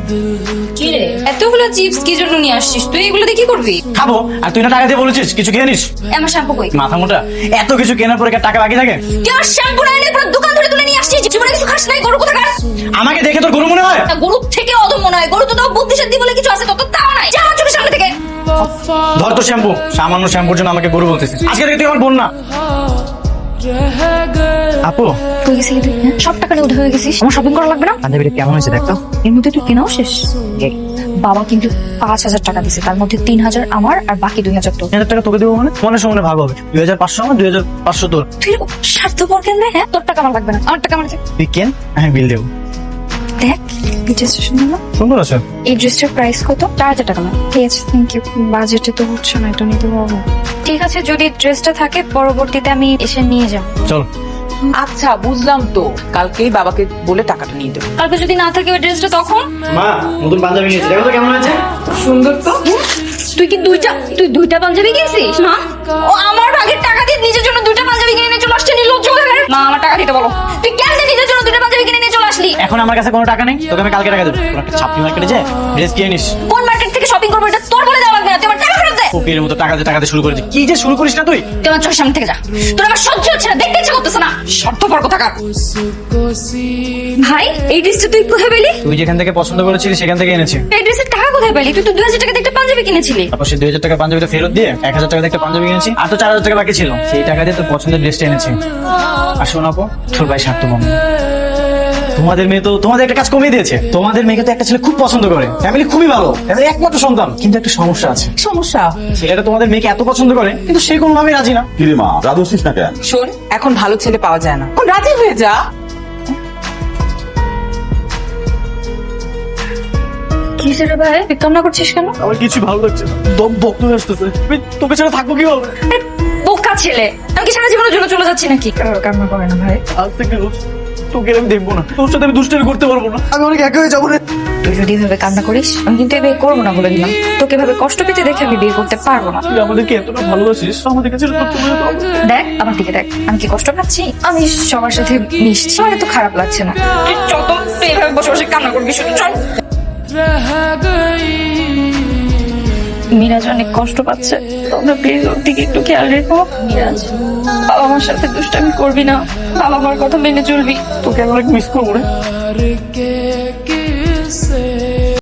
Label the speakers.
Speaker 1: কি রে, এতগুলো চিপস কি জন্য নিয়ে আসছিস? তুই এগুলো দিয়ে কি করবি?
Speaker 2: খাবো। আর তুই না টাকা দিয়ে বলেছিস কিছু খেয়ে নিস।
Speaker 1: আমার শ্যাম্পু কই?
Speaker 2: মাথা মোটা, এত কিছু কেনার পরে কি আর টাকা বাকি থাকে?
Speaker 1: তুই আমার শ্যাম্পু না এনে পুরো দোকান ধরে তুলে নিয়ে আসছিস। জীবনে কিছু খাস নাই, গরু কোথাকার?
Speaker 2: আমাকে দেখে তোর গরু মনে হয়?
Speaker 1: গরু থেকে অদম মনে হয়। গরু তো তাও বুদ্ধি শান্তি বলে কিছু আছে, তত তাও নাই। যা আমার চোখের সামনে থেকে।
Speaker 2: ধর তো শ্যাম্পু, সামান্য শ্যাম্পুর জন্য আমাকে গরু বলতেছিস। আজকে থেকে তুই আমার বোন না। আপু,
Speaker 1: কই গেছিলি তুই? হ্যাঁ? সব টাকা নিয়ে উঠে হয়ে গেছিস। আমার শপিং করা লাগবে না?
Speaker 2: পাঞ্জাবিটা কেমন হয়েছে দেখতো?
Speaker 1: এর মধ্যে তুই কেনাও শেষ। বাবা কিন্তু 5,000 টাকা দিছে, তার মধ্যে 3,000 আমার আর বাকি 2,000 তোর।
Speaker 2: 1000 টাকা তোকে দেবো মানে মনের সমানে ভাগ হবে। 2500 আমার, 2500 তোর।
Speaker 1: তুই এরকম স্বার্থপর কেন রে? হ্যাঁ, তোর টাকা আমার লাগবে না, আমার টাকা আমার লাগবে।
Speaker 2: তুই কেন, আমি বিল দেবো।
Speaker 1: দেখ, এই ড্রেসটা সুন্দর না?
Speaker 2: সুন্দর আছে।
Speaker 1: এই ড্রেসটার প্রাইস কত? 4,000 টাকা না? ঠিক আছে, থ্যাংক ইউ। বাজেটে তো হচ্ছে না, এটা নিতে পারবো। ঠিক আছে, যদি ড্রেসটা থাকে পরবর্তীতে আমি এসে নিয়ে যাব।
Speaker 2: চল।
Speaker 3: আচ্ছা বুঝলাম তো, কালকেই বাবাকে বলে টাকাটা নিয়ে দেবো।
Speaker 1: কালকে যদি না থাকে ওই ড্রেসটা তখন?
Speaker 2: মা, নতুন পাঞ্জাবি নিয়েছি, দেখো তো কেমন হয়েছে।
Speaker 3: সুন্দর তো।
Speaker 1: তুই দুইটা পাঞ্জাবি কিনেছিস? মা, ও আমার আগের টাকা দিয়ে নিজের জন্য দুইটা পাঞ্জাবি কিনে নিয়ে চলে আসছে, নির্লজ্জ কোথাকার। মা, আমার টাকা দিতে বলো। তুই কেন নিজের জন্য দুইটা পাঞ্জাবি কিনে নিয়ে চলে আসলি?
Speaker 2: এখন আমার কাছে কোনো টাকা নেই, তোকে আমি কালকে টাকা দেবো। তোর একটা ছাপড়ি মার্কেটে যে ড্রেস কিনে নিস।
Speaker 1: কোন মার্কেট থেকে শপিং করবো এটা তোর বলে দেওয়া লাগবে না। তুই আমার টাকা ফেরত দে।
Speaker 2: ফকিরের মতো টাকা দিয়ে শুরু করেছিস। কি যে শুরু করিস না তুই?
Speaker 1: তুই আমার চোখের সামনে থেকে যা। তোর আমার সহ্য হচ্ছে না, দেখতে ইচ্ছে করতেছে না। স্বার্থপর কোথাকার। ভাই, এই ড্রেসটা তুই কোথায় পেলি?
Speaker 2: তুই যেখান থেকে পছন্দ করেছিলি সেখান থেকে এনেছি।
Speaker 1: এই ড্রেসের টাকা কোথায় পেলি? তুই তো 2,000 টাকা দিয়ে একটা পাঞ্জাবি কিনেছিলি।
Speaker 2: তারপর সেই 2000 টাকা পাঞ্জাবিটা ফেরত দিয়ে 1000 টাকা দিয়ে একটা পাঞ্জাবি কিনেছি। আর তো 4000 টাকা বাকি ছিল, সেই টাকা দিয়ে তোর পছন্দের ড্রেসটা এনেছি। আর শোন আপু, তোর ভাই স্বার্থপর। তোমাদের মেয়ে তো তোমাদের একটা কাজ কমিয়ে দিয়েছে। তোমাদের মেয়েকে তো একটা ছেলে খুব পছন্দ করে, ফ্যামিলি খুবই ভালো, ফ্যামিলি একমাত্র সন্তান। কিন্তু একটা সমস্যা আছে।
Speaker 3: সমস্যা?
Speaker 2: ছেলেটা তোমাদের মেয়েকে এত পছন্দ করে কিন্তু সে কোনোভাবেই রাজি না।
Speaker 4: কিরে মা, রাজি হচ্ছিস না কেন?
Speaker 3: শোন, এখন ভালো ছেলে পাওয়া যায় না, এখন রাজি হয়ে যা।
Speaker 1: কি রে ভাই, তুই কান্না করছিস কেন?
Speaker 2: আমার কিছু ভালো লাগছে না, দম বক্ত হয়ে আসতেছে। আমি তোকে ছাড়া থাকবো কিভাবে?
Speaker 1: বোকা ছেলে, আমি কি সারা জীবনের জন্য চলে যাচ্ছি নাকি? কান্না করে না ভাই।
Speaker 2: আজ থেকে রোজ তোকে আমি দেখবো না, তোর সাথে আমি দুষ্টামি করতে পারবো না, আমি অনেক একা হয়ে যাবো রে।
Speaker 1: তুই যদি এভাবে কান্না করিস, আমি কিন্তু বিয়ে করবো না বলে দিলাম। তোকে এভাবে কষ্ট পেতে দেখে আমি বিয়ে করতে পারবো না।
Speaker 2: তুই আমাদেরকে এতটা ভালোবাসিস, আমাদের কাছে তোর চলে যেতে হবে।
Speaker 1: দেখ আমার দিকে দেখ, আমি কি কষ্ট পাচ্ছি? আমি সবার সাথে মিশছি, আমার তো খারাপ লাগছে না। তুই চল তো, তুই এভাবে বসে বসে কান্না করবি শুধু, চল। মিরাজ অনেক কষ্ট পাচ্ছে, তোমরা প্লিজ ওর দিকে একটু খেয়াল রেখো। মিরাজ, বাবা আমার সাথে দুষ্টামি করবি না, বাবা আমার কথা মেনে চলবি।
Speaker 2: তোকে আমি অনেক মিস করবো রে।